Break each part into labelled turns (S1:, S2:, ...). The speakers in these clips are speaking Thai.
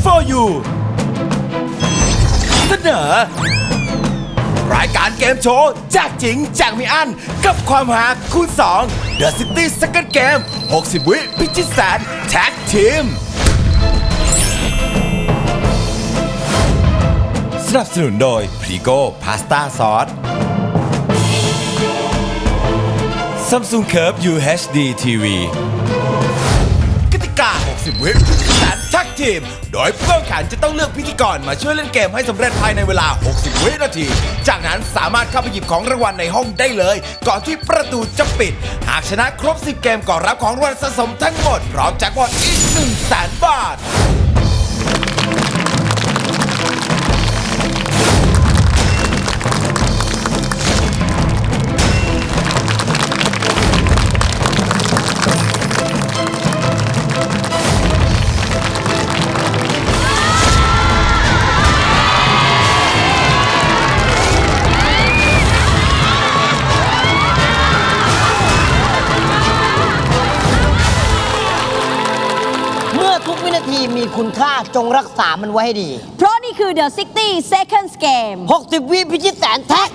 S1: for you เสนอรายการเกมโชว์แจกจริงแจกไม่อั้นกับความหาคูณ2 The City Second Game 60 วิพิชิตแสนแท็กทีมสนับสนุนโดยพรีโก้พาสต้าซอส Samsung Curve UHD TV กติกา 60 วิพิชิตแสนแท็กทีมโดยผู้แข่งขันจะต้องเลือกพิธีกรมาช่วยเล่นเกมให้สำเร็จภายในเวลา 60 วินาที จากนั้นสามารถเข้าไปหยิบของรางวัลในห้องได้เลย ก่อนที่ประตูจะปิด หากชนะครบ 10 เกมก็รับของรางวัลสะสมทั้งหมดพร้อมแจ็คพอตอีก 100,000 บาท
S2: ทุกวินาทีมีคุณค่าจงรักษามันไว้ให้ดี
S3: เพราะนี่คือ The 60 Seconds Game
S2: 60 วิพิชิตแสนแท็ก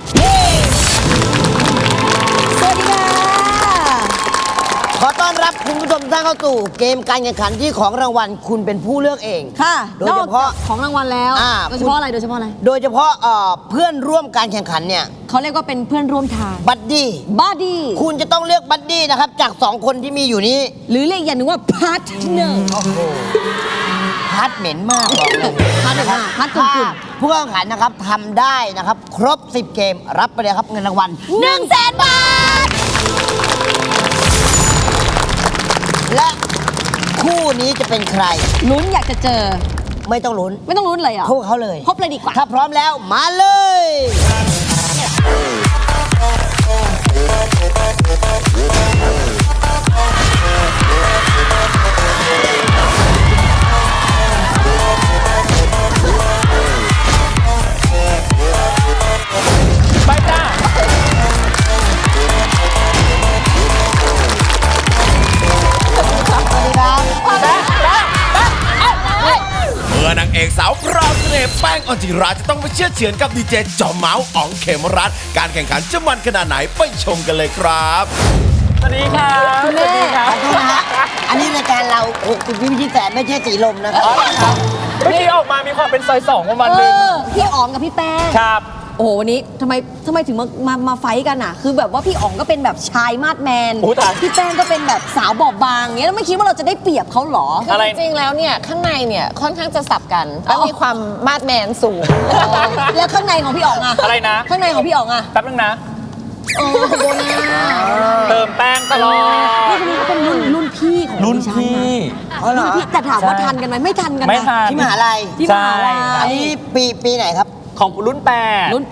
S3: สวัสดีค่ะ
S2: ขอต้อนรับคุณผู้ชมท่านเข้าสู่เกมการแข่งขันที่ของรางวัลคุณเป็นผู้เลือกเอง
S3: ค่ะ
S2: โดยเฉพาะ
S3: ของรางวัลแล้วโดยเฉพาะอะไรโดยเฉพาะอะไร
S2: โดยเฉพาะเพื่อนร่วมการแข่งขันเนี่ย
S3: เขาเรียกว่าเป็นเพื่อนร่วมทาง
S2: บัดดี้คุณจะต้องเลือกบัดดี้นะครับจาก2คนที่มีอยู่นี้
S3: หรือเรียกอย่างหนึ่งว่าพาร์ทเนอร์
S2: พาร์ทเหม็นมากบอกเลย
S3: พาร์ทเหม็นมากพาร์ทคุณ
S2: ผู้แข่งขันนะครับทำได้นะครับครบ10เกมรับไปเลยครับเงินรางวัล
S3: 100,000 บาท
S2: และคู่นี้จะเป็นใคร
S3: ลุ้นอยากจะเจอ
S2: ไม่ต้องลุ้น
S3: เลยอ่ะ
S2: พบเขาเลย
S3: พบเลยดีกว่า
S2: ถ้าพร้อมแล้วมาเลย
S1: ไปจ้าเมื่อนางเอกสาวพราวเสน่ห์แป้งออนจิราจะต้องไปเชื่อเฉือนกับดีเจจอมเมาส์อ๋องเขมรัตน์การแข่งขันจะมันขนาดไหนไปชมกันเลยครับ
S4: สวัสดีครับ
S3: คุณแม่
S2: ขอโทษนะฮะอันนี้รายการเรา60 วิพิชิตแสนไม่ใช่สีลมนะครับ
S4: เมื่อกี้ออกมามีความเป็นซอย2ประมาณนึง
S3: พี่อ๋องกับพี่แป้ง
S4: ครับ
S3: โอ้โหวันนี้ทำไมถึงมาไฟกันอ่ะคือแบบว่าพี่อ๋องก็เป็นแบบชายมาดแมนพี่แป้งก็เป็นแบบสาวบอบบางเงี้ยแล้วไม่คิดว่าเราจะได้เปรียบเขาหรอ
S5: คือจริงๆแล้วเนี่ยข้างในเนี่ยค่อนข้างจะสับกันแล้วมีความมาดแมนสูง
S3: แล้วข้างในของพี่อ๋องอะ
S4: อะไรนะ
S3: ข้างในของพี่อ๋องอะ
S4: แป๊บนึงนะ
S3: โอ้โบนา
S4: เติมแป้งตลอด
S3: นี่เขาเป็นรุ่นพี่ของ
S4: รุ่นพี่
S3: แต่ถามว่าทันกันไหมไม่ทันกันนะ
S4: ไม่ทัน
S2: ที่มหาลัยอันนี้ปีไหนครับ
S4: ของรุ่น8
S3: รุ่น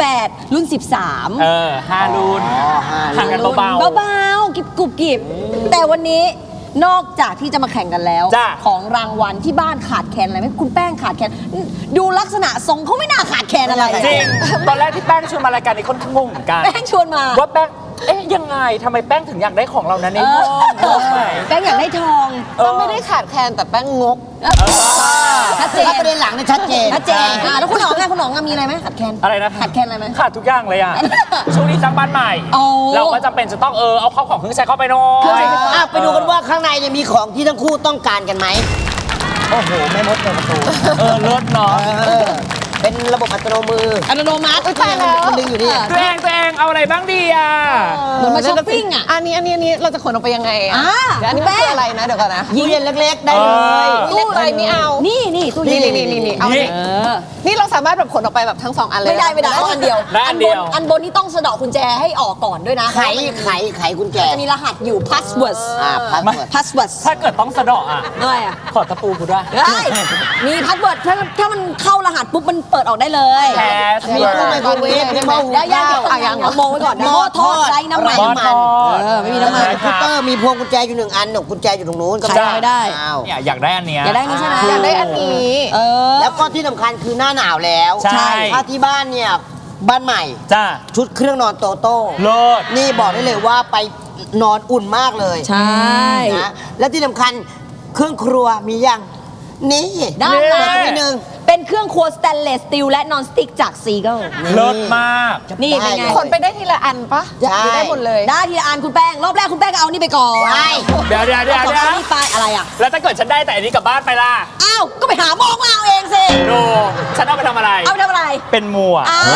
S3: 13
S4: 5รุ่นห่างกันเบา
S3: ๆกรุบแต่วันนี้นอกจากที่จะมาแข่งกันแล้วของรางวัลที่บ้านขาดแคลนอะไรไหมคุณแป้งขาดแคลนดูลักษณะทรงเขาไม่น่าขาดแคลนอะไร
S4: จริงตอนแรกที่แป้งชวนมารายการนี้ค่อนข้างงงเหมือนกัน
S3: แป้งชวนมา
S4: ว่าแป้งยังไงทำไมแป้งถึงอยากได้ของเรานั้นในห้อง
S3: แป้งอยากได้ทอง
S5: ก็ไม่ได้ขาดแคลนแต่แป้งงก
S2: ชัดเจนประเด็นหลังเนี่ยชัดเจน
S3: แล้วคุณอ๋องมีอะไรไหมขาดแคลน
S4: อะไรนะ
S3: ขาดแคลนอะไรไหม
S4: ขาดทุกอย่างเลยอ่ะช่วงนี้สร้างบ้านใหม่เราก็จำเป็นจะต้องเอาเข้าของเครื่องใช้เข้าไปหน่อย
S2: ไปดูกันว่าข้างในเนี่ยมีของที่ทั้งคู่ต้องการกันไหมโอ้โหแม่มดเปิดประตู
S4: รถเนาะ
S2: เป็นระบบอัตโนมัติ
S3: ใช่แล้ว
S2: มันดึงอยู่นี่
S4: ตัวเองเอาอะไรบ้างดีอ่ะ
S3: เหมือนมาช้อปปิ้งอ่ะ
S5: อันนี้เราจะขนออกไปยังไงอ่ะอันนี้เป็นอะไรนะเดี๋ยวก่อนนะ
S2: ตู้เย็นเล็กๆได้เลย
S5: เล็กไปไม่เอา
S3: นี่ตู้เย็น
S5: นี่เอานี่เราสามารถแบบขนออกไปแบบทั้ง2อันเลย
S3: ไม่ได้ต้องอันเดียวอันบนนี่ต้องสะดอกกุญแจให้ออกก่อนด้วยนะ
S2: ไขกุญแจ
S3: จะมีรหัสอยู่ password
S4: ถ้าเกิดต้องสะดอกอ่ะ
S3: อะไรอ่ะ
S4: ขอตะปูกูด้วย
S3: มี password ถ้ามันเข้ารหัสปุ๊บมันเปิดออกได้เลย
S2: มีตู้ไมโครเวฟมีหม้อหุงข้าว
S3: อย่างมองไว้ก่อนหม้อทอดไร้น้ำมันไม่มีน้ำมัน
S2: คอมพิวเตอร์มีพวงกุญแจอยู่1 อันกุญแจอยู่ตรงนู้น
S3: ก็ไม่ได้
S4: เนี่ยอยากได้อันเนี้ย
S3: อยากได้นี้ใช่ไหม
S5: อยากได้อันนี้
S2: แล้วก็ที่สำคัญคือหน้าหนาวแล้วถ้าที่บ้านเนี่ยบ้านใหม่ชุดเครื่องนอนโตโต้นี่บอกได้เลยว่าไปนอนอุ่นมากเลย
S3: ใช่
S2: นะและที่สำคัญเครื่องครัวมียังนี่
S3: ด้านหลัง
S2: นิดนึง
S3: เป็นเครื่องครัวสแตนเลสสตีลและนอนสติ๊กจากซีเกิล
S4: เลิศมาก
S3: นี่เป็นไง
S5: คนไปได้ทีละอันปะ
S2: ใช่
S5: หรือได้หมดเลย
S3: ได้ทีละอันคุณแป้ง รอบแรกคุณแป้งก็เอานี่ไปก่อน
S2: ว้าย
S4: เดี๋ยว
S3: เอาสองนี่ไปอะไรอ่ะ
S4: แล้วถ้าเกิดฉันได้แต่อันนี้กลับบ้านไปล่ะ
S3: อ้าว ก็ไปหามองเอาเองสิ
S4: ดูฉันเอาไปทำอะไร
S3: เอาไปทำอะไร
S4: เป็นมัว
S3: อ้าว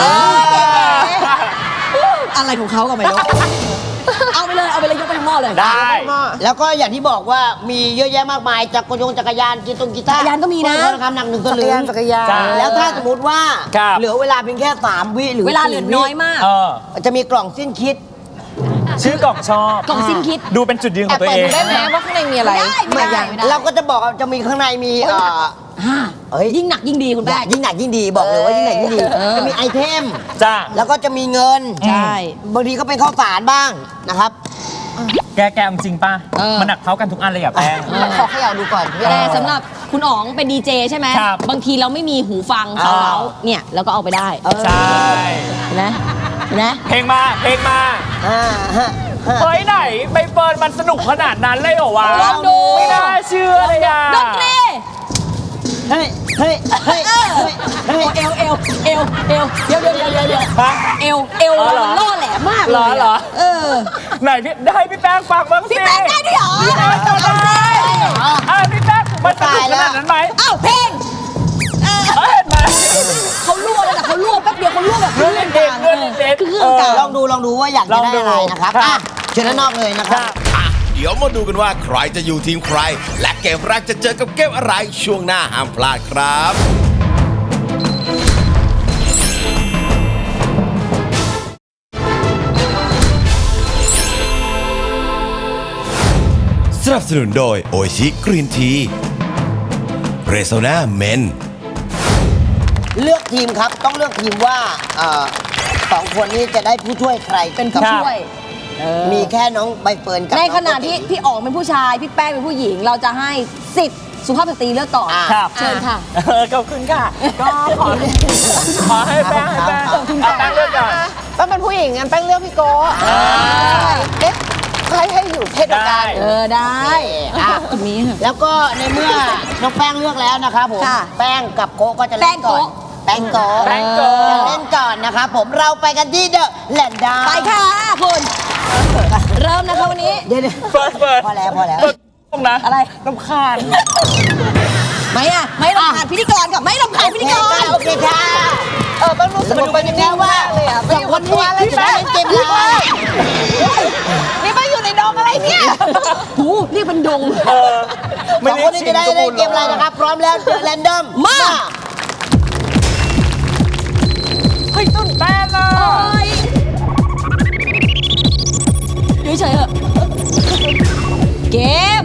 S3: อะไรของเขาก็ไม่รู้ เอาไปเลยยกไปทั้งหม้อเลย
S4: ได้
S2: แล้วก็อย่างที่บอกว่ามีเยอะแยะมากมายจักรยานกีตาร์
S3: จักรยานก็มีนะ
S2: ทองคำหนัก1 สลึง
S5: จักรยาน
S4: ใช่
S2: แล้วถ้าสมมติว่า
S4: ครับ
S2: เหลือเวลาเพียงแค่3 วิหรือ
S3: เวลาเหลือ
S2: 4
S3: น้อยมาก
S4: เออ
S2: จะมีกล่องสิ้นคิด
S4: ชื่อกล่องชอบ
S3: กล่องสิ้นคิด
S4: ดูเป็นจุดยืนข
S5: แอ
S4: อบ งตัว
S5: เปิด
S4: เอ
S5: ดู
S4: ง
S5: ได้ไหมว่าข้างในมีอะไร
S3: ไม่ได้
S2: เราก็จะบอกว่าจะมีข้างในมีเอ้ย
S3: ยิ่งหนักยิ่งดีคุณแป้ง
S2: ยิ่งหนักยิ่งดีบอกเลยว่ายิ่งหนักยิ่งดี จะมีไอเทม
S4: จ้า
S2: แล้วก็จะมีเงิน
S3: ใช่
S2: บางทีก็เป็นข้าวสารบ้างนะครับ
S4: แกเอาจริงป่ะ มันหนักเท่ากันทุกอันเลยอ่ะแป้ง
S5: ขอเขย่าดูก่อน
S3: แต่สำหรับคุณอ๋องเป็นดีเจใช่ไหม
S4: ครับ
S3: บางทีเราไม่มีหูฟังเขาเนี่ยเราก็เอาไปได้
S4: ใช่
S3: เห็นไหมเห็นไหม
S4: เพลงมาเฮ้ยไหนใบเฟิร์นมันสนุกขนาดนั้นเลยเหรอวะ
S3: ลองดู
S4: ไม่น่าเชื่อเลยอ่ะ
S3: ดนตรี
S2: เฮ้ยเฮ้ยเฮ้ยเฮ้ย
S3: เอวเดี๋ยว
S4: ฮะ
S3: เอว
S4: อ๋อเหรอ
S3: มันล่อแหลมมากเลย
S4: เหรอ
S3: เออ
S4: ไหนพี่ได้พี่แป้งฟังบ้างสิ
S3: พี่แป้งได้ด้วยเหรอ
S4: พี่แป้งจำได้พี่แป้งมันสนุกขนาดนั้นไหม
S3: อ้าวเพลง
S4: เห็นไหม
S3: เขาล่วเลยแต่เขาล่วแป๊บเดียวเขาล่วแบบ
S4: เรื่องเด็กเรื่องเด็ก
S3: คือเครื่องกลาง
S2: ลองดูว่าอยากจะได้อะไรนะครับ
S4: ครับ
S2: อ่ะเชิญด้านนอกเลยนะครับ
S1: อ่ะเดี๋ยวมาดูกันว่าใครจะอยู่ทีมใคร และเกมแรกจะเจอกับเกมอะไรช่วงหน้าห้ามพลาดครับ สนับสนุนโดยโอชิกรีนทีเรโซนาเมน
S2: เลือกทีมครับต้องเลือกทีมว่าสองคนนี้จะได้ผู้ช่วยใคร
S3: เป็นผู้ช่วย
S2: มีแค่น้องใบเฟิร์นกับ
S3: ในขณะ
S2: องโกติ
S3: ที่พี่อ๋องเป็นผู้ชาย พี่แป้งเป็นผู้หญิง เราจะให้สิทธิ์สุภาพสตรีเลือกก่อน
S4: ครับ
S3: เชิญค่ะ
S4: ขอบคุณค่ะ ก็ขอให้แป้งให้แป้งเอาแป้งเลือกก่อน
S5: แป้งเป็นผู้หญิงงั้นแป้งเลือกพี่โก้เอ๊ะให้อยู่เพศเดียวกัน
S3: เออได้
S2: อ่ะ
S3: ตรงนี้ค่ะ
S2: แล้วก็ในเมื่อน้องแป้งเลือกแล้วนะครับผม
S3: ค่ะ
S2: แป้งกับโกะก็จะเล่นก่อนแป้งโกะ
S4: แป้งโกะ
S2: จะเล่นก่อนนะครับผมเราไปกันที่เดอะแลนด์ดา
S3: ไปค่ะคุณเริ่มนะคะวันนี้
S2: เดี๋ยว
S4: เปิด
S2: พอแล้ว
S4: ตรงนะ
S3: อะไร
S4: รำคาญ
S3: ไม่อะไม่รำคาญพิธีกรกับไม่รำคาญพิธีกร
S2: โอเคค่ะ
S5: แป้งรู้สึก
S2: สรุปไปแล้วว่า
S5: เลยอ่ะ
S2: สองคนนี้จะได้เล่นเกมอะไร
S5: นี่แป้งอยู่ในดองอะไรเนี่ย
S3: หูเรียกเป็นดง
S2: สองคนนี้จะได้เล่นเกมอะไรนะครับพร้อมแล้วเดอะแรนดอม
S3: มา
S4: เฮ้ยตื่นเต้นอ่ะ
S3: อยู่เฉยๆเถอะเกม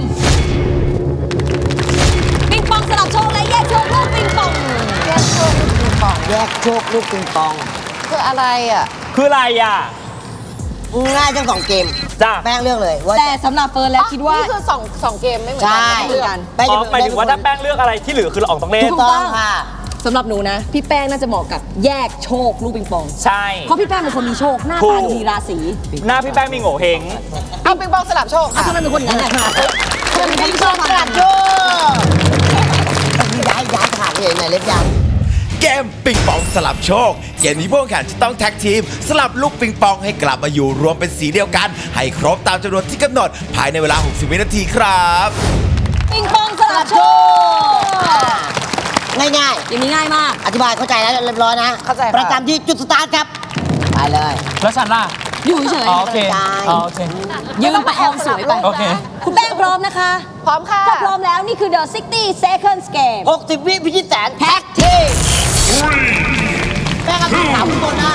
S3: ปิงปองสลับโชคและแยกโชคลูกปิงปอง
S2: แยกโชคลูกปิงปอง
S5: คืออะไรอ่ะ
S4: คืออะไรอ่ะ
S2: ง่ายทั้งสองเกม
S4: จ้า
S2: แป้งเลือกเลยว่า
S3: แต่สำหรับเฟิร์นแล้วคิดว่า
S5: นี่คือสองเกมไม่เหมือน
S2: ใช่
S5: กันไม่เหมือนกัน
S2: แป้ง
S4: อ๋อ
S2: จะ
S4: หมายถึงว่าถ้าแป้งเลือกอะไรที่เหลือคือเราออกต้องเล่น
S2: ถูกต้องค่ะ
S3: สำหรับหนูนะ พี่แป้งน่าจะเหมาะกับแยกโชคลูกปิงปอง
S4: ใช่
S3: เพราะพี่แป้งเป็นคนมีโชค หน้า
S4: ถู
S3: ตาก ดีราศี
S4: หน้าพี่แป้งมีโง่เฮง
S5: เอาปิงปองสลับโชค
S3: อ่ะ
S5: ค่ะ
S3: ทำไมเป็นคนอย่างนั้นแหละทำไมเป็นคนที่ชอบ
S2: กระ
S3: ทำ
S2: ดาษโชคย้ายขาดเลยไหนเล็บยาว
S1: เกมปิงปองสลับโชค เกมนี้ผู้แข่งขันจะต้องแท็กทีม สลับลูกปิงปองให้กลับมาอยู่รวมเป็นสีเดียวกัน ให้ครบตามจำนวนที่กำหนด ภายในเวลา 60 วินาทีครับ
S3: ปิงปองสลับโชค
S2: ง่าย
S3: อย่างนี้ง่ายมาก
S2: ๆ อธิบายเข้าใจแล้วเรียบร้อยนะ
S5: เข้าใจค่ะ
S2: ประจำที่จุดสตาร์ทครับ ไปเลย
S4: แล้วฉันล่ะ
S3: อยู่เฉย
S4: อ๋อโอเค
S2: ได้
S4: อ๋อโอเค
S3: ยืนประคองสวยไป
S4: โอเค
S3: คุณแป้งพร้อมนะคะ
S5: พร้อมค่ะ
S3: ถ้าพร้อมแล้วนี่คือ The 60 Seconds Game
S2: 60 วิพิชิตแสนแท็กทีมแป้งกับพี่สาวทุกคนนะ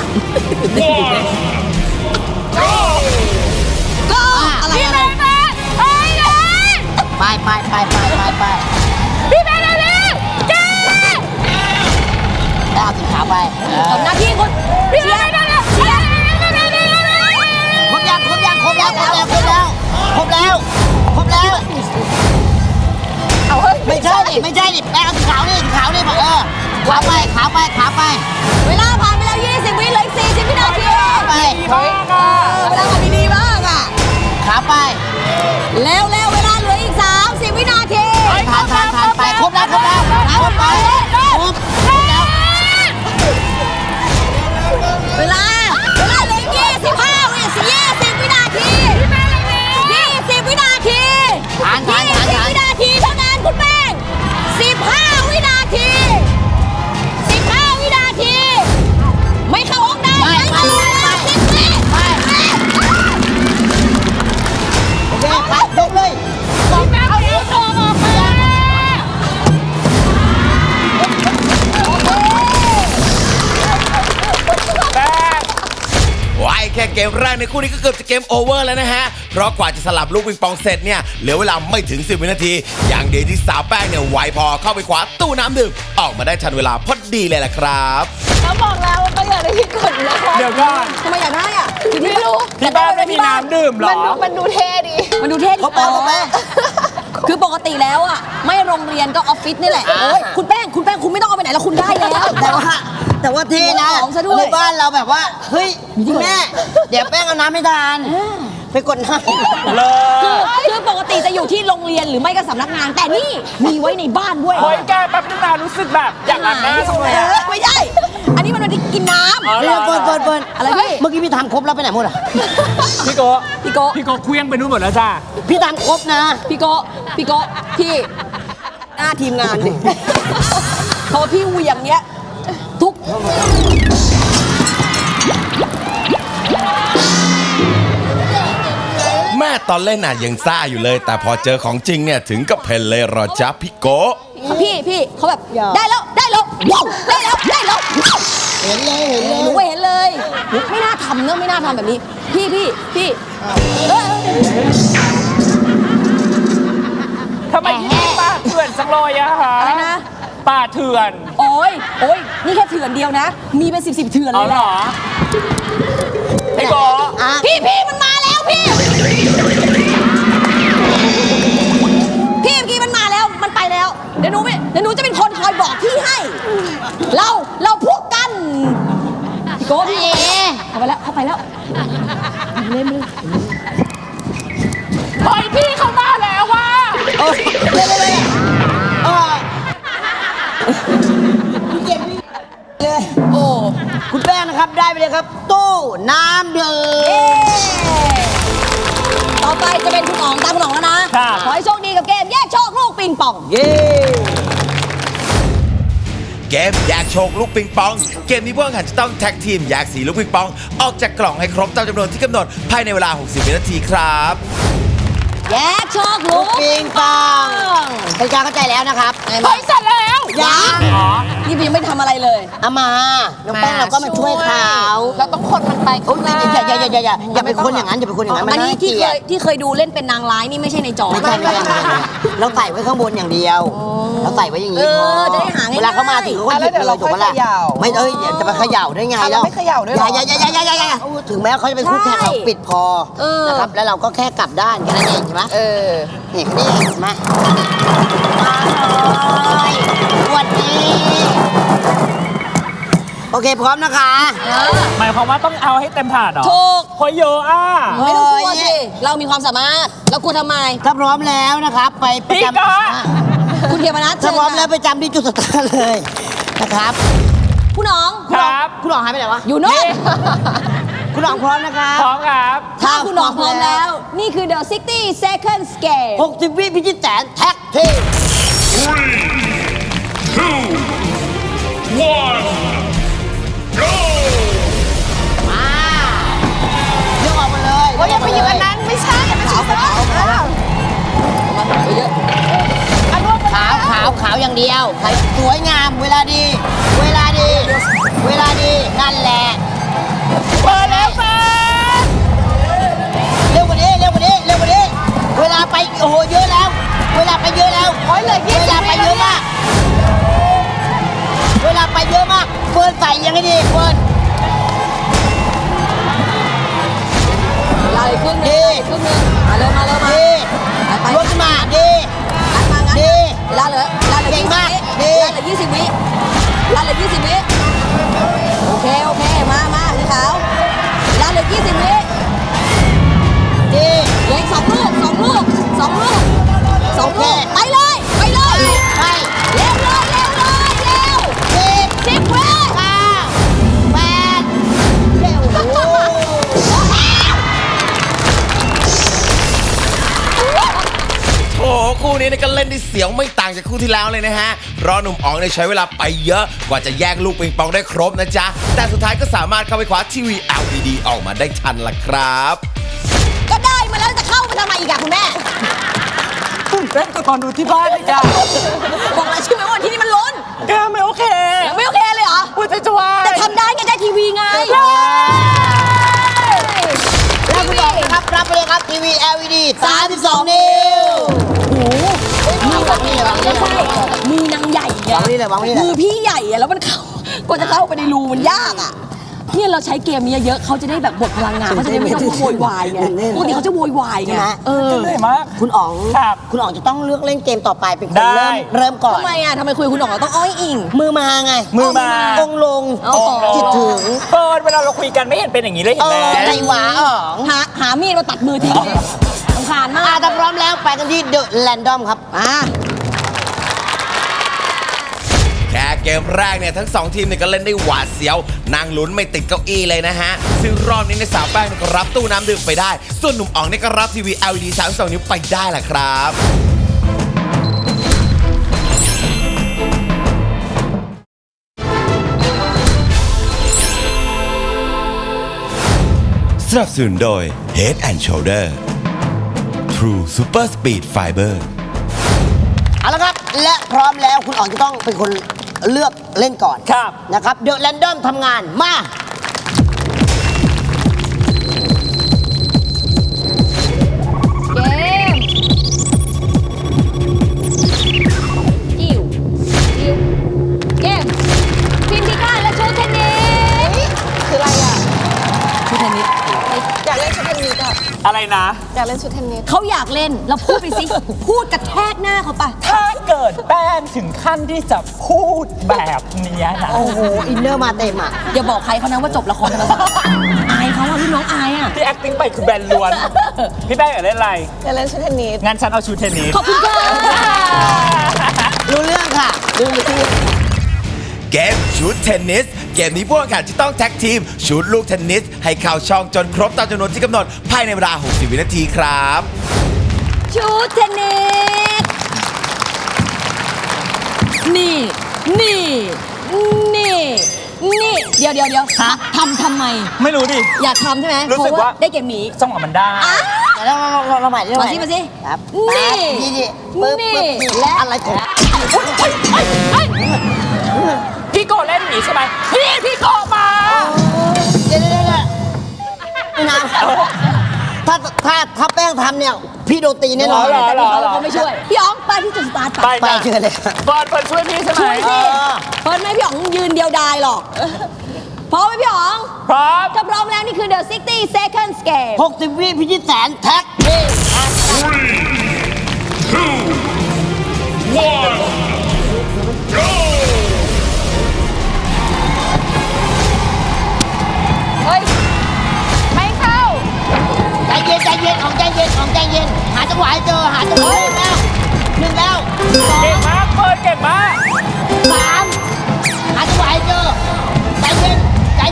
S3: ก็อะไรอะไร
S2: ไปพี่แป้งเร็วแล้วเอาสีขาวไป
S3: ทำหน้าที่คุณเชียร์เชียร์
S2: ครบแล้ว
S5: เอาเฮ้ย
S2: ไม่ใช่ดิแป้งเอาสีขาวนี่ขาวไป
S3: เวลาผ่านไปแล้ว 20 วิเหลืออีก40 วินาที
S2: ไป
S3: เฮ้ยเวลาผ่านดีๆมากอ่ะ
S2: ขาวไป
S3: แล้วเวลาเหลืออีก 30 วินาที
S2: ทานไปครบแล้ว
S3: ที 15 วินาที ไม่เข้าห้องได้ไม่เข้าห้องได้10 วิ
S2: โอเคไปยกเลย
S3: เอานิ้วโชว์ออกมา
S1: ว้ายแค่เกมแรกในคู่นี้ก็เกือบจะเกมโอเวอร์แล้วนะฮะ เพราะกว่าจะสลับลูกปิงปองเสร็จเนี่ยเหลือเวลาไม่ถึง 10 วินาที อย่างเดียวที่สาวแป้งเนี่ยไวพอเข้าไปคว้าตู้น้ำดื่มออกมาได้ทันเวลาพอดีเลยล่ะครับ
S3: เขาบอกแล้วว่าก็อยากได้ที่กดนะ
S4: เดี๋ยวก่อน
S3: ทำไมอยากได้อ่ะไม่รู้
S4: ที่บ้านไม่มีน้ำดื่มเหรอ
S5: มันดูเท่ดี
S3: มันดูเท่ดีคือปกติแล้วอ่ะไม่โรงเรียนก็ออฟฟิศนี่แหละโอ้ยคุณแป้งคุณไม่ต้องเอาไปไหนแล้วคุณได้แล้ว
S2: แต่ว่าเท่นะ
S3: ของซะด้วย
S2: ในบ้านเราแบบว่าเฮ้ยคุณแม่เดี๋ยวแป้งเอาน้ำไม่ทานไปกดน้ำ
S4: เลย
S3: คือปกติจะอยู่ที่โรงเรียนหรือไม่ก็สำนักงาน แต่นี่มีไว้ในบ้านด้วย
S4: เฮ้ยแกแป๊บนึงนะรู้สึกแบบอยากอาบน้ำจังเลยอะ
S3: ไม่ใช่อันนี้มันเป็นที่กินน้ำ
S4: อ๋อ
S2: เปิด
S3: อะไรพี่
S2: เมื่อกี้พี่ทำครบแล้วไปไหนหมดอ่ะ
S4: พี่โก
S3: พี่โก
S4: พี่โกเคลี้ยงไปนู่นหมดแล้วจ้า
S2: พี่ทำครบนะ
S3: พี่โกพี่หน้าทีมงานดิพอพี่เหวียงเนี้ยทุก
S1: แม่ตอนเล่นน่ะยังซ่าอยู่เลย แต่พอเจอของจริงเนี่ยถึงกับเพลเลยเหรอจ๊ะพี่โกะ
S3: พี่เขาแบบได้แล้วว้าวได้แล้วว้าว
S2: เห็นเลย
S3: หนูเห็นเลยไม่น่าทำเนอะไม่น่าทำแบบนี้พี่
S4: ทำไมที่นี่ป่าเถื่อนจังเลยอะฮะ
S3: อะไรนะ
S4: ป่าเถื่อน
S3: โอ้ยนี่แค่เถื่อนเดียวนะ มีเป็น10เถื่อน
S4: เอา
S3: เลย
S4: เหร
S3: แหละ
S4: อพี่โก
S3: พี่มันมาแล้วพี่เมื่อกี้มันมาแล้วมันไปแล้วเดี๋ยวหนูจะเป็นคนคอยบอกพี่ให้ เราพวกกันพี่โก้พี่เข้าไปแล้วเล่น
S4: เฮ้ยพี่เข้ามาแล้วว่ะ
S3: โอ้
S2: คุณแป้งนะครับได้ไปเลยครับ ตู้น้ำดื่ม
S3: ต่อไปจะเป็นคุณอ๋องตามคุณอ๋องแล้วนะขอให้โชคดีกับเกมแยกโชคลูกปิงปอง
S2: เย้
S1: เกมแยกโชคลูกปิงปอง เกมนี้พวกแข่งขันจะต้องแท็กทีมแยกสีลูกปิงปอง ออกจากกล่องให้ครบตามจำนวนที่กำหนดภายในเวลา 60 วินาทีครับ
S3: แยกโชคลูก
S2: ปิงปองเป็นการเข้าใจแล้วนะครับ
S3: เฮ้ยเสร็จแล้ว
S2: ยัง
S3: นี่ยังไม่ทำอะไรเลย
S2: เอามาน้องแป้งเราก็มาช่วยเขา
S5: เราต้องคนมันไป
S2: โอ้ยอย่าไปคนอย่างนั้นอย่าไปคนอย่างนั้นมัน
S3: อันนี้
S2: น่าเกลียด
S3: ที่เคยดูเล่นเป็นนางร้ายนี่ไม่ใช่ในจอ
S2: ไม่ใช่เราใส่ไว้ข้างบนอย่างเดียว เราใส่ไว้อย่างนี้พอ
S3: จะได้หาง่ายๆ
S2: เวลาเขามาถึงเขาก็หยิบเลยถูกปะล่ะไม่จะไปเขย่าได้ไงแล้ว
S5: ไม่เขย่าด้วยหรอ
S2: อย่าถึงแม้เขาจะเป็นคู่แข่งเราปิดพอนะครับแล้วเราก็แค่กลับด้านแค่นั้นเองใช่ไหมนี่เห็นไหมมาเลยวันนี้โอเคพร้อมนะคะ
S4: หมายความว่าต้องเอาให้เต็มถาดเหรอ
S3: ถูก
S4: เฮ้ยเยอะอ่ะ
S3: ไม่ต้องกลัวสิเรามีความสามารถเรากลัวทำไม
S2: ถ้าพร้อมแล้วนะครับไปประจ
S4: พี่กะ
S3: คุณเขียนมานัด
S2: ถ้าพร้อมแล้วไปจำที่จุดสตาร์ทเลยนะครับ
S3: คุณน้อง
S4: ครับ
S2: คุณหลองหายไปไหนวะ
S3: อยู่โน่น
S2: คุณหลองพร้อมนะครับ
S4: พร้อมครับ
S3: ถ้าคุณน้องพร้อมแล้ว นี่คือ The 60 Second Scale
S2: 60 วิพิชิตแสนแท็กทีม มาเลือกออกมาเลย
S5: อย่าไปหยิบอันนั้นไม่ใช่ไม่ใช่
S2: ขาวอย่างเดียวสวยงามเวลาดี นั่นแหละ
S4: เปิดแล้วแฟน
S2: เร็วกว่านี้ เวลาไปโอ้โหเยอะแล้ว
S5: โอ้ยเลย20
S2: เวลาไปเยอะมาก เฟิร์นใส่ยังไงดีเฟิร์น
S3: ลาเลยครึ่งหนึงครึ่งหนึงมาเร็ว
S2: ดี
S3: ไป
S2: ยกขึ้นมาดี
S3: งั้น
S2: ดี
S3: เวลาเหลือ
S2: เก่งมาก
S3: 20
S2: ดี
S3: 20 วิเวลาเหลือ20 วิโอเคมาสีขาวเวลาเหลือ20 วิ
S2: ดี
S3: เหลืออีก2 ลูกไปเลย
S2: ไป
S3: เร็ว10
S2: 10
S3: วิ
S2: 8 เร็วโอ้โห
S1: โอ้โหคู่นี้นี่ก็เล่นได้เสียวไม่ต่างจากจากคู่ที่แล้วเลยนะฮะเพราะหนุ่มอ๋องเนี่ยใช้เวลาไปเยอะกว่าจะแยกลูกปิงปองได้ครบนะจ๊ะแต่สุดท้ายก็สามารถเข้าไปคว้าทีวี LED ออกมาได้ทันล่ะครับ
S3: ก็ได้มาแล้วจะเข้ามาทำไมอีกอะคุณแม่
S4: ตื่นเต้นกับตอนดูที่บ้านเลยจ้ะ
S3: บอกแล้วใช่ไหมว่าที่นี่มันล้น
S4: แกไม่โอเค
S3: ไม่โอเคเลยเหรอ
S4: พูดจะช่วย
S3: แต่ทำได้ไงได้ทีวีไง
S2: แล้วคุณบอกนะครับรับไปเลยครับทีวี LED 32 นิ้ว
S3: มีวางนี่เลยวางนี่ใช่มือนางใหญ่ไง
S2: วางนี่เลยวางนี่เลย
S3: มือพี่ใหญ่อะแล้วมันเข้ากว่าจะเข้าไปในรูมันยากอะเนี่ยเราใช้เกมนี้เยอะเขาจะได้แบบบทพลังงานเขาจะได้ไม่ต้องโวยวายไงปกติเขาจะโวยวายไง
S2: ใช่ไหม
S4: เหนื่อยมาก
S2: คุณอ๋อง
S4: ครับ
S2: คุณอ๋องจะต้องเลือกเล่นเกมต่อไปเป็นคน
S4: ได้
S2: เริ่มก่อน
S3: ทำไมอะทำไมคุยกับคุณหน่องเราต้องอ้อยอิง
S2: มือมาไง
S4: มือมา
S2: องค์ลง
S3: อ๋อ
S2: จิตถึง
S4: เฟิร์นเวลาเราคุยกันไม่เห็นเป็นอย่างนี้เลยเห็นไหม
S2: ใจหวาอ๋อง
S3: หามีดมาตัดมือทิ้งเลยสำคาญมาก
S2: ถ้าพร้อมแล้วไปกันที่เดอะแรนดอมครับ
S1: แค่เกมแรกเนี่ยทั้ง 2 ทีมเนี่ยก็เล่นได้หวาดเสียวนั่งลุ้นไม่ติดเก้าอี้เลยนะฮะ ซึ่งรอบนี้ในยสาวแป้งเนี่ยก็รับตู้น้ำดื่มไปได้ ส่วนหนุ่มอ๋องเนี่ยก็รับทีวี LED 32 นิ้วไปได้แหละครับสนับสนุนโดย Head and Shoulder True Super Speed Fiber
S2: เอาละครับ และพร้อมแล้วคุณอ๋องจะต้องเป็นคนเลือกเล่นก่อน
S4: ครับ
S2: นะครับเดอะแรนดอมทำงานมา
S3: เกมอิวเกมทีมพิฆาตและชุดเทนนิส
S5: คืออะไรอ่ะ
S3: ชุดเทนนิส
S5: อยากเล่นชุดเทนนิสอ่ะ
S4: อะไรนะ
S5: อยากเล่นชุดเทนนิส
S3: เขาอยากเล่นเราพูดไปสิ พูดกระแทกหน้าเขาปะ
S4: ถ้าเกิดแป้งถึงขั้นที่จะพูดแบบเนี้ยนะ
S2: โอ้โห อินเนอร์มาเต็มอ่ะ
S3: อย่าบอกใครเขานะว่าจบละครธรรมศาสตร์อายเขาอะพี่น้องอายอะ
S4: ที่ acting ไปคือแบนล้วน พี่แป้งอยากเล่นอะไร
S5: อยากเล่นชุดเทนนิส
S4: งั้นฉันเอาชุดเทนนิส
S3: ขอบคุณค่ะ
S2: รู้เรื่องค่ะดูไปที่
S1: เกมชุดเทนนิส เกมนี้ผู้แข่งขันจะต้องแท็กทีมชุดลูกเทนนิส ให้เข้าช่องจนครบตามจำนวนที่กำหนดภายในเวลา 60 วินาทีครับ
S3: ชุดเทนนิสนี่นี่เดี๋ยวทำไม
S4: ไม่รู้ดิ
S3: อยากทำใช่ไหม
S4: รู้สึกว่า
S3: ได้เกมนี้
S4: จังหวะมันได้
S2: แต่เราใหม่ได้ไหม
S3: มาสิ
S2: ครับ
S3: นี่
S2: นี่ปึ๊บ
S3: นี่
S2: ปึ๊บ
S3: และ
S2: อะไรของ
S4: พี่โกเล่นหนีใช่ไหมพี่โกมา
S2: เดี๋ยวไม่นานถ้าแป้งทำเนี่ย พี่โดนตีแน่นอน
S4: เหรอ
S3: เขาไม่ช่วย พี่อ๋องไปที่จุดสตาร์ท
S4: ไป
S2: ไป
S4: จ้ะ
S2: เชิญเลย
S4: เฟิร์นช่วยพี่ใช่ไหม
S3: ช่วยสิเฟิร์นไม่ให้พี่อ๋องยืนเดียวดายหรอกพร้อมไหมพี่อ๋อง
S4: พร้อม
S3: ถ้าพร้อมแล้วนี่คือ The 60 Seconds Game
S2: 60 วิพิชิตแสนแท็ก
S5: เฮ้ย ไม่เข้า
S2: ใจเย็นของใจเย็น หาจังหวะให้เจอ หาจังหวะให้แล้วหนึ่งแล้ว
S4: เก่งมากเฟิร์นเก่งมาก
S2: สามหาจังหวะให้เจอ ใจเย็น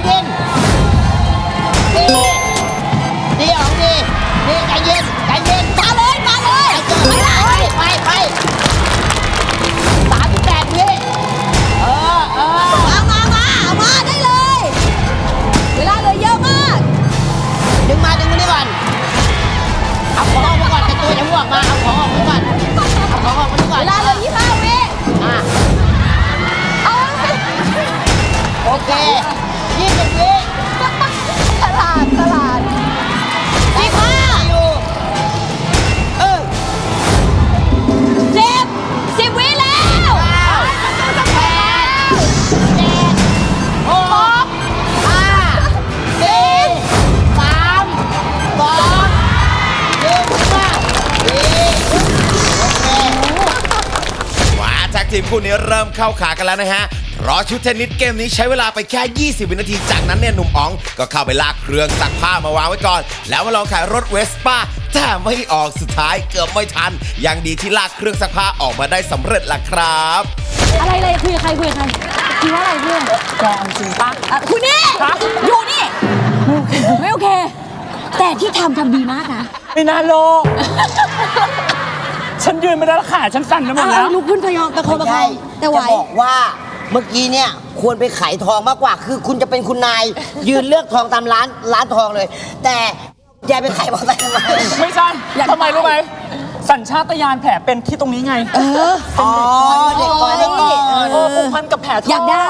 S2: ดีอ๋องดีใจเย็น
S3: มาเลย
S2: ไปเจอไป38 วิ
S3: มาได้เลย เวลาเหลือเยอะมาก
S2: ดึงมานี่ก่อน เอาของออกมาก่อนแต่ตัวยังไม่ออกมา เอาของออกมาก่อน
S3: เวลาเหลือ25 วิ
S2: อ่ะ
S3: เอา
S2: โอเค20 วิ
S3: ฉลาด
S2: อยู่
S3: 10 วิแล้ว
S1: มาแท็กทีมคู่นี้เริ่มเข้าขากันแล้วนะฮะ เพราะชุดเทนนิสเกมนี้ใช้เวลาไปแค่ 20 วินาที จากนั้นเนี่ยหนุ่มอ๋องก็เข้าไปลากเครื่องซักผ้ามาวางไว้ก่อน แล้วมาลองขายรถเวสป้าแต่ไม่ออกสุดท้ายเกือบไม่ทัน ยังดีที่ลากเครื่องซักผ้าออกมาได้สำเร็จล่ะครับ
S3: อะไรคุยกับใครคุยว่าอะไรเพื่อน
S4: แกจริงปะ
S3: คุณนี่ อยู่นี่ ไม่โอเค แต่ที่ทำดีมากนะ
S4: ไม่น่าโลก ฉฉันยืนไม่ได้แล้วขาฉันสั่นไปหมดแล้ว
S3: ลุกขึ้นพยองตะโคน
S2: ไม่
S3: ตะโค
S2: ใช่
S3: นแต่ไหว
S2: จะบอกว่าเมื่อกี้เนี่ยควรไปขายทองมากกว่า คือคุณจะเป็นคุณนาย ยืนเลือกทองตามร้านทองเลย แต่ยายไปขายมอเตอร์ไซค์ทำไม
S4: ไม่ใช่ทำไมรู้ไหมสัญชาตญาณแผลเป็นที่ตรงนี้ไง
S2: อ๋อเด็กก่อนเด็กก่อน
S4: ผูกพันกับแผลท้อง
S3: อยากได้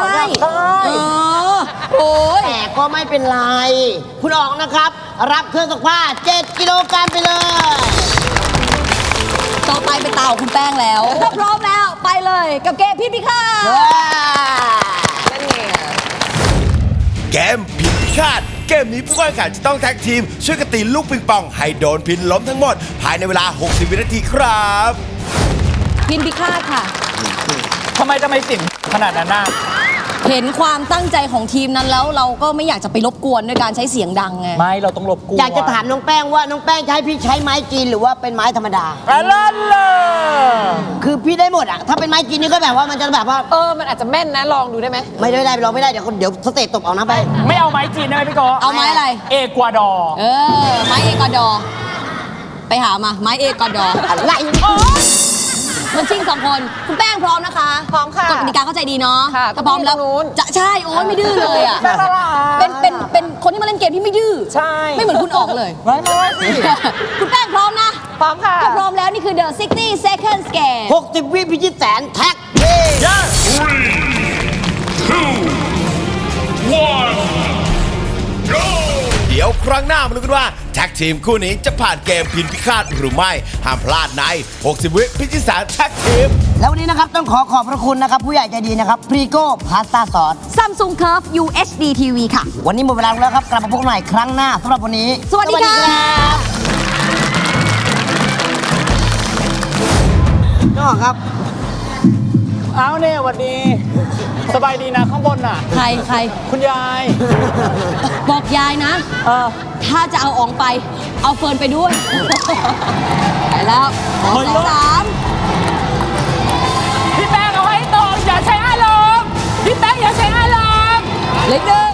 S3: โอ้ย
S2: แต่ก็ไม่เป็นไร คุณออกนะครับ รับเครื่องซักผ้า7 กิโลกรัมไปเลย
S3: ต่อไปเป็นตาของคุณแป้งแล้วถ้าพร้อมแล้วไปเลยกับเกมพี่พิฆาต
S5: นั่นไง
S1: เกมพินพิฆาตเกมนี้ผู้แข่งขันจะต้องแท็กทีม ช่วยกันตีลูกปิงปองให้โดนพินล้มทั้งหมด ภายในเวลา 60 วินาทีครับ
S3: พินพิฆาตค่ะ
S4: ทำไมสินขนาดนั้นน่ะ
S3: เห็นความตั้งใจของทีมนั้นแล้วเราก็ไม่อยากจะไปรบกวนด้วยการใช้เสียงดังไง
S4: ไม่เราต้องรบกวน
S2: อยากจะถามน้องแป้งว่าน้องแป้งใช้พี่ใช้ไม้จีนหรือว่าเป็นไม้ธรรมดา
S4: อะไรเลย
S2: คือพี่ได้หมดอะถ้าเป็นไม้จีนนี่ก็แบบว่ามันจะแบบว่า
S5: มันอาจจะแม่นนะ ลองดูได้ไหม
S2: ไม่ได้ลองไม่ได้เดี๋ยวสเตตตบเอานะไป
S4: ไม่เอาไม้จีนได้ไหมพี่โก
S3: เอาไม้อะไร
S4: เอกวาดอร์
S3: ไม้เอกวาดอร์ไปหามาไม้เอกวาดอร์
S2: อะไร
S3: มันชิงสองคนคุณแป้งพร้อมนะคะ
S5: พร้อมค่ะ
S3: กฎกติกาเข้าใจดีเนาะ
S5: ค่ะ
S3: ถ้าพร้อมแล้ว
S5: ตรงนู้น
S3: จะใช่โอ้ยไม่ดื้อเลยอ่ะ
S5: น่ารัก
S3: เป็นคนที่มาเล่นเกมที่ไม่ดื้อ
S4: ใช่
S3: ไม่เหมือนคุณออกเลย
S4: ไม่สิ
S3: คุณแป้งพร้อมนะ
S5: พร้อมค่ะ
S3: ถ้าพร้อมแล้วนี่คือ The 60 Seconds Game
S2: 60 วิพิชิตแสนแท็ก
S4: ย่า
S1: เดี๋ยวครั้งหน้ามาดูกันว่าแท็กทีมคู่นี้จะผ่านเกมพินพิฆาตหรือไม่ ห้ามพลาดใน 60 วิพิชิตแสนแท็กทีม
S2: แล้ววันนี้นะครับต้องขอบพระคุณนะครับ ผู้ใหญ่ใจดีนะครับพรีโก้พาสต้าซอส
S3: Samsung Curve UHD TV ค่ะ
S2: วันนี้หมดเวลาแล้วครับ กลับมาพบกันใหม่ครั้งหน้าสำหรับวันนี้
S3: สวัสดีค่ะ
S2: น้องครับ
S4: เอาเนี่ยสวัสดี สบายดีนะข้างบนน่ะ
S3: ใคร
S4: คุณยาย
S3: บอกยายนะ ถ้าจะเอาอองไป เอาเฟิร์นไปด้วย ไปแล้วสองสองสาม
S4: พี่แป้งเอาให้ตรงอย่าใช้อารมณ์พี่แป้งอย่าใช้อารมณ์
S3: เล็กหนึ่ง